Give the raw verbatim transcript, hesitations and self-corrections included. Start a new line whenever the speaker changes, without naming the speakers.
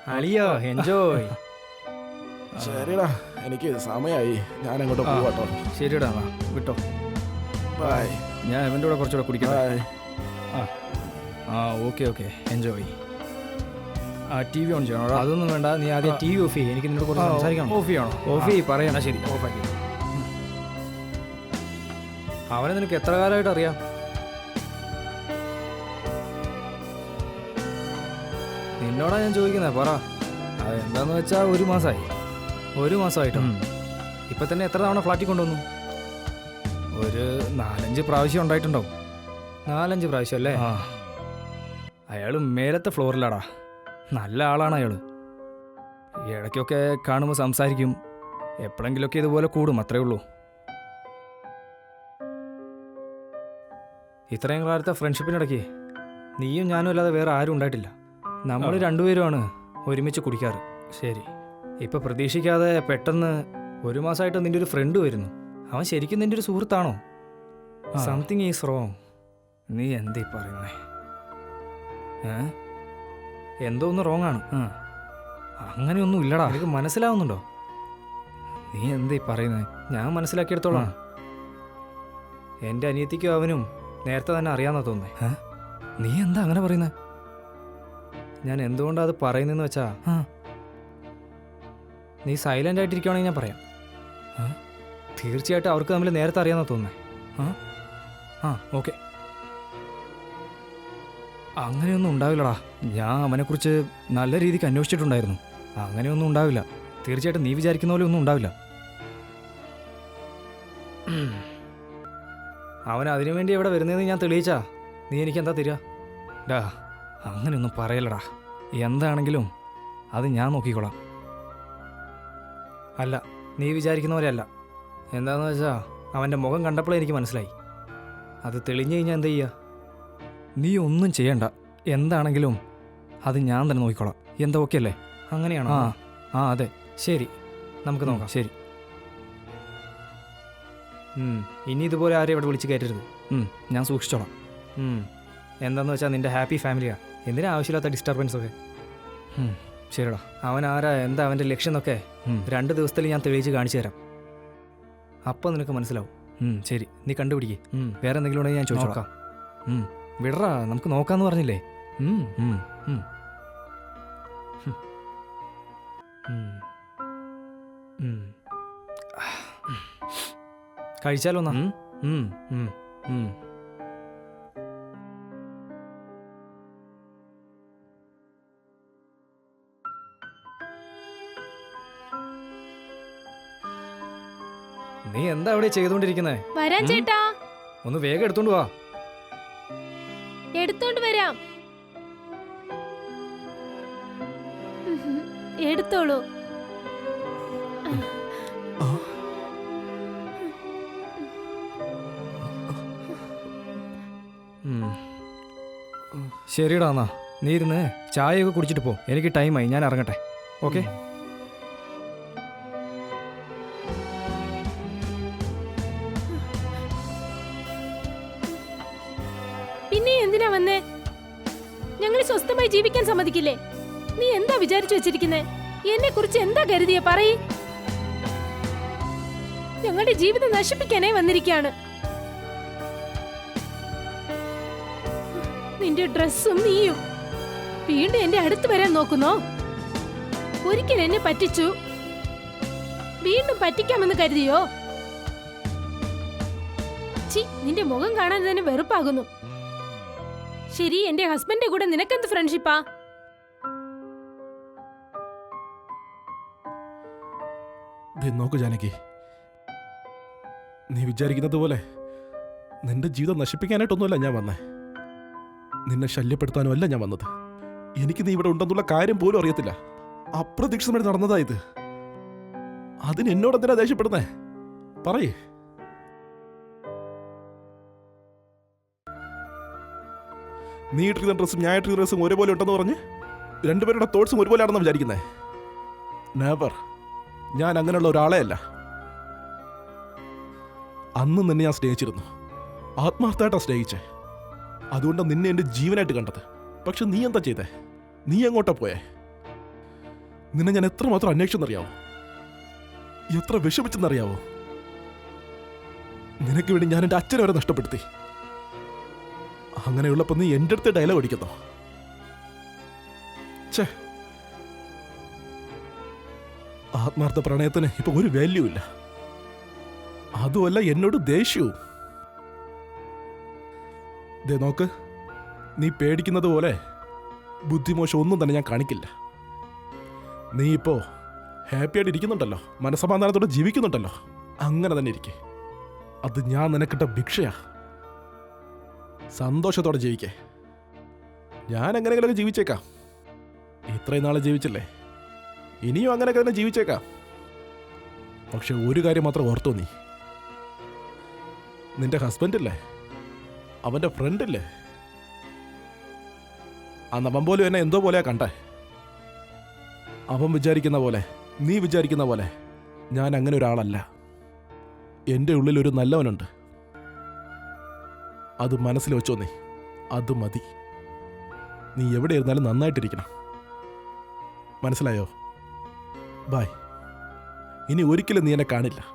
അളിയോ enjoy.
ശരിടാ, എനിക്ക് സമയമായി, ഞാൻ അങ്ങോട്ട് പോവാട്ടോ.
ശരിടാ, വിട്ടോ.
ബൈ.
ഞാൻ ഇവൻ്റെ കൂടെ കുറച്ചുകൂടെ കുടിക്കാം.
ബൈ.
ആ ആ ഓക്കെ ഓക്കെ എൻജോയ്. ആ ടി വി ഓൺ ചെയ്യണോ? അതൊന്നും വേണ്ട, നീ ആദ്യം ടി വി ഓഫ് ചെയ്യും. എനിക്ക് നിന്നോട് കുറച്ച് സംസാരിക്കണം. ഓഫ് ചെയ്യണോ? ഓഫ് ചെയ്യ്, പറയണം. ശരി, ഓഫാക്കി. അവനെ നിനക്ക് എത്ര കാലമായിട്ട് അറിയാം? നിന്നോടാ ഞാൻ ചോദിക്കുന്നത്, പറ. അത് എന്താന്ന് വെച്ചാൽ ഒരു മാസമായി. ഒരു മാസമായിട്ടോ? ഇപ്പം തന്നെ എത്ര തവണ ഫ്ലാറ്റിൽ കൊണ്ടുവന്നു? ഒരു നാലഞ്ച് പ്രാവശ്യം ഉണ്ടായിട്ടുണ്ടാവും. നാലഞ്ച് പ്രാവശ്യം അല്ലേ? ആ, അയാൾ മേലത്തെ ഫ്ലോറിലാടാ. നല്ല ആളാണ് അയാൾ. ഇടയ്ക്കൊക്കെ കാണുമ്പോൾ സംസാരിക്കും, എപ്പോഴെങ്കിലുമൊക്കെ ഇതുപോലെ കൂടും, അത്രേ ഉള്ളൂ. ഇത്രയും കാലത്തെ ഫ്രണ്ട്ഷിപ്പിനിടയ്ക്ക് നീയും ഞാനും അല്ലാതെ വേറെ ആരും ഉണ്ടായിട്ടില്ല. നമ്മൾ രണ്ടുപേരുമാണ് ഒരുമിച്ച് കുടിക്കാറ്. ശരി, ഇപ്പം പ്രതീക്ഷിക്കാതെ പെട്ടെന്ന് ഒരു മാസമായിട്ട് നിൻ്റെ ഒരു ഫ്രണ്ട് വരുന്നു. അവൻ ശരിക്കും നിൻ്റെ ഒരു സുഹൃത്താണോ? Something is wrong. നീ എന്തീ പറയുന്നേ? ഏ എന്തോ ഒന്ന് റോങ് ആണ്. ആ അങ്ങനെയൊന്നും ഇല്ലടാ, എനിക്ക് മനസ്സിലാവുന്നുണ്ടോ? നീ എന്തീ പറയുന്നത്? ഞാൻ മനസ്സിലാക്കിയെടുത്തോളാം. എൻ്റെ അനിയത്തിക്കും അവനും നേരത്തെ തന്നെ അറിയാമെന്നാ തോന്നുന്നേ. ഏ നീ എന്താ അങ്ങനെ പറയുന്നത്? ഞാൻ എന്തുകൊണ്ടാണ് അത് പറയുന്നതെന്ന് വെച്ചാ, നീ സൈലൻ്റ് ആയിട്ടിരിക്കുകയാണെങ്കിൽ ഞാൻ പറയാം. തീർച്ചയായിട്ടും അവർക്ക് തമ്മിൽ നേരത്തെ അറിയാമെന്നാ തോന്നുന്നേ. ആ ആ ഓക്കെ. അങ്ങനെയൊന്നും ഉണ്ടാവില്ലടാ. ഞാൻ അവനെക്കുറിച്ച് നല്ല രീതിക്ക് അന്വേഷിച്ചിട്ടുണ്ടായിരുന്നു. അങ്ങനെയൊന്നും ഉണ്ടാവില്ല. തീർച്ചയായിട്ടും നീ വിചാരിക്കുന്ന പോലെ ഒന്നും ഉണ്ടാവില്ല. അവൻ അതിനുവേണ്ടി എവിടെ വരുന്നതെന്ന് ഞാൻ തെളിയിച്ചാ നീ എനിക്ക് എന്താ തരിക? ഡാ അങ്ങനെയൊന്നും പറയലടാ. എന്താണെങ്കിലും അത് ഞാൻ നോക്കിക്കോളാം. അല്ല, നീ വിചാരിക്കുന്ന പോലെ അല്ല. എന്താണെന്ന് വെച്ചാൽ അവൻ്റെ മുഖം കണ്ടപ്പോഴേ എനിക്ക് മനസ്സിലായി. അത് തെളിഞ്ഞു കഴിഞ്ഞാൽ എന്താ ചെയ്യുക? നീ ഒന്നും ചെയ്യണ്ട. എന്താണെങ്കിലും അത് ഞാൻ തന്നെ നോക്കിക്കോളാം. എന്താ ഓക്കെ അല്ലേ? അങ്ങനെയാണോ? ആ ആ അതെ. ശരി, നമുക്ക് നോക്കാം. ശരി. ഇനി ഇതുപോലെ ആരെയും ഇവിടെ വിളിച്ച് കയറ്റരുത്. ഞാൻ സൂക്ഷിച്ചോളാം. എന്താണെന്ന് വെച്ചാൽ നിൻ്റെ ഹാപ്പി ഫാമിലിയാണ്. എന്തിനാ ആവശ്യമില്ലാത്ത ഡിസ്റ്റർബൻസ് ഒക്കെ? ശരിടാ. അവൻ ആരാ, എന്താ അവൻ്റെ ലക്ഷ്യം എന്നൊക്കെ രണ്ട് ദിവസത്തിൽ ഞാൻ തെളിയിച്ച് കാണിച്ചു തരാം. അപ്പം നിനക്ക് മനസ്സിലാവും. ശരി, നീ കണ്ടുപിടിക്കേ. വേറെ എന്തെങ്കിലും ഉണ്ടെങ്കിൽ ഞാൻ ചോദിച്ചോക്കാം. വിടറാ, നമുക്ക് നോക്കാന്ന് പറഞ്ഞില്ലേ? കഴിച്ചാലോ എന്നാ? നീ എന്താ അവിടെ ചെയ്തോണ്ടിരിക്കുന്നേ?
വരാൻ ചേട്ടാ.
ഒന്ന് വേഗം എടുത്തോണ്ട് വാ.
എടുത്തോണ്ട് വരാം. എടുത്തോളൂ.
ശരിടാ, എന്നാ നീ ഇരുന്ന് ചായയൊക്കെ കുടിച്ചിട്ട് പോ. എനിക്ക് ടൈമായി, ഞാൻ ഇറങ്ങട്ടെ. ഓക്കെ.
പിന്നെ എന്തിനാ വന്നേ? ഞങ്ങൾ സ്വസ്ഥമായി ജീവിക്കാൻ സമ്മതിക്കില്ലേ? നീ എന്താ വിചാരിച്ചു വെച്ചിരിക്കുന്നേ? എന്നെ കുറിച്ച് എന്താ കരുതിയ പറയ്. ഞങ്ങളുടെ ജീവിതം നശിപ്പിക്കാനേ വന്നിരിക്കുകയാണ്. നിന്റെ ഡ്രസ്സും നീയും വീണ്ടും എന്റെ അടുത്ത് വരാൻ നോക്കുന്നോ? ഒരിക്കൽ എന്നെ പറ്റിച്ചു, വീണ്ടും പറ്റിക്കാമെന്ന് കരുതിയോ? ചി, നിന്റെ മുഖം കാണാൻ തന്നെ വെറുപ്പാകുന്നു. ശരി, എന്റെ ഹസ്ബൻഡിന്റെ കൂടെ നിനക്കെന്ത് ഫ്രണ്ട്ഷിപ്പാ?
നോക്കൂ ജാനകി, നീ വിചാരിക്കുന്നത് പോലെ നിന്റെ ജീവിതം നശിപ്പിക്കാനായിട്ടൊന്നുമല്ല ഞാൻ വന്നേ. നിന്നെ ശല്യപ്പെടുത്താനും അല്ല ഞാൻ വന്നത്. എനിക്ക് നീ ഇവിടെ ഉണ്ടെന്നുള്ള കാര്യം പോലും അറിയത്തില്ല. അപ്രതീക്ഷിതമായിട്ട് നടന്നതാ ഇത്. അതിന് എന്നോട് എന്തിനാ ദേഷ്യപ്പെടുന്നേ? പറയേ. നീ ഇട്ടിരിക്കുന്ന ഡ്രസ്സും ഞാൻ ഇട്ടിരിക്കുന്ന ഡ്രസ്സും ഒരുപോലെ ഉണ്ടെന്ന് പറഞ്ഞ് രണ്ടുപേരുടെ തോട്ട്സും ഒരുപോലെ ആണെന്ന് വിചാരിക്കുന്നേ? നെവർ. ഞാൻ അങ്ങനെയുള്ള ഒരാളെ അല്ല. അന്ന് നിന്നെ ഞാൻ സ്നേഹിച്ചിരുന്നു, ആത്മാർത്ഥമായിട്ടാണ് സ്നേഹിച്ചേ. അതുകൊണ്ടാണ് നിന്നെ എൻ്റെ ജീവനായിട്ട് കണ്ടത്. പക്ഷെ നീ എന്താ ചെയ്തേ? നീ എങ്ങോട്ടാ പോയേ? നിന്നെ ഞാൻ എത്രമാത്രം അന്വേഷിച്ചെന്നറിയാവോ, എത്ര വിഷമിച്ചെന്നറിയാവോ. നിനക്ക് വേണ്ടി ഞാൻ എൻ്റെ അച്ഛനെ വരെ നഷ്ടപ്പെടുത്തി. അങ്ങനെയുള്ളപ്പോൾ നീ എൻ്റെ അടുത്ത് ഡയലോഗ് അടിക്കുന്നോ? ഛേ, ആത്മാർത്ഥ പ്രണയത്തിന് ഇപ്പൊ ഒരു വാല്യൂ ഇല്ല. അതുമല്ല എന്നോട് ദേഷ്യവും. ദേ നോക്ക്, നീ പേടിക്കുന്നത് പോലെ ബുദ്ധിമോശം ഒന്നും തന്നെ ഞാൻ കാണിക്കില്ല. നീ ഇപ്പോ ഹാപ്പി ആയിട്ട് ഇരിക്കുന്നുണ്ടല്ലോ, മനസ്സമാധാനത്തോടെ ജീവിക്കുന്നുണ്ടല്ലോ, അങ്ങനെ തന്നെ ഇരിക്കെ. അത് ഞാൻ നിനക്കിട്ട ഭിക്ഷയാ. സന്തോഷത്തോടെ ജീവിക്കേ. ഞാൻ എങ്ങനെയെങ്കിലൊക്കെ ജീവിച്ചേക്കാം. ഇത്രയും നാളെ ജീവിച്ചില്ലേ, ഇനിയും അങ്ങനെയൊക്കെ തന്നെ ജീവിച്ചേക്കാം. പക്ഷെ ഒരു കാര്യം മാത്രം ഓർത്തോ നീ, നിന്റെ ഹസ്ബൻഡില്ലേ, അവൻ്റെ ഫ്രണ്ടില്ലേ, ആ അവൻ പോലും എന്നെ എന്തോ പോലെയാ കണ്ടേ. അവൻ വിചാരിക്കുന്ന പോലെ, നീ വിചാരിക്കുന്ന പോലെ ഞാൻ അങ്ങനെ ഒരാളല്ല. എൻ്റെ ഉള്ളിൽ ഒരു നല്ലവനുണ്ട്. അത് മനസ്സിൽ വെച്ചോ നീ, അത് മതി. നീ എവിടെ ഇരുന്നാലും നന്നായിട്ടിരിക്കണം. മനസ്സിലായോ? ബായ്. ഇനി ഒരിക്കലും നീ എന്നെ കാണില്ല.